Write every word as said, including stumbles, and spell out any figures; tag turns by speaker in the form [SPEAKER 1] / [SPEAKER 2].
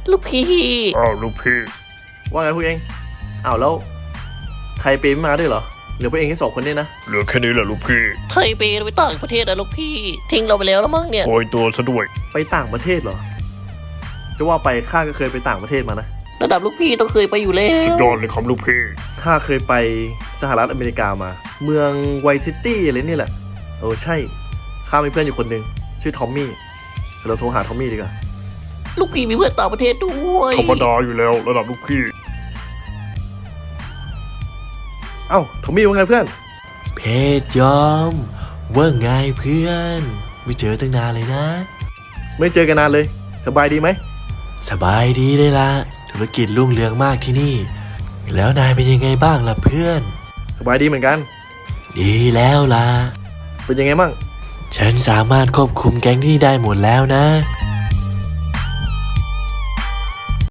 [SPEAKER 1] ลูกพี่
[SPEAKER 2] อ้าวลูกพี่
[SPEAKER 3] ว่าไงพวกเองอ้าวแล้วไทยเปไม่มาด้วยเหรอเหลือพวกเองแค่สองคนเนี่ยนะ
[SPEAKER 2] เหลือแค่นี้แหละลูกพี่
[SPEAKER 1] ไทยไปไปต่างประเทศอะลูกพี่ทิ้งเราไปแล้วแล้วมั้งเนี่ย
[SPEAKER 2] โกยตัวซะด้วย
[SPEAKER 3] ไปต่างประเทศเหรอจะว่าไปข้าก็เคยไปต่างประเทศมานะ
[SPEAKER 1] ระดับลูกพี่ต้องเคยไปอยู่แล้
[SPEAKER 2] สุด
[SPEAKER 1] วย
[SPEAKER 2] อดเลยครับลูกพี่
[SPEAKER 3] ข้าเคยไปสหรัฐอเมริกามา เมืองไวซิตี้อะไรนี่แหละเออใช่ข้ามีเพื่อนอยู่คนหนึ่งชื่อทอมมี่เราโทรหาทอมมี่ดีกว่า
[SPEAKER 1] ลูกพี่มีเพื่อนต่างประเทศด้วย
[SPEAKER 2] ธรรมดาอยู่แล้วระดับลูกพี่
[SPEAKER 3] เอ้าทอมมี่ว่าไงเพื่อน
[SPEAKER 4] เพชรยอมว่าไงเพื่อน ไม่เจอตั้งนานเลยนะ
[SPEAKER 3] ไม่เจอกันนานเลย สบายดีไหม
[SPEAKER 4] สบายดีเลยละธุรกิจรุ่งเรืองมากที่นี่ แล้วนายเป็นยังไงบ้างล่ะเพื่อน
[SPEAKER 3] สบายดีเหมือนกัน
[SPEAKER 4] ดีแล้วล่ะ
[SPEAKER 3] เป็นยังไงบ้าง
[SPEAKER 4] ฉันสามารถควบคุมแก๊งที่ได้หมดแล้วนะ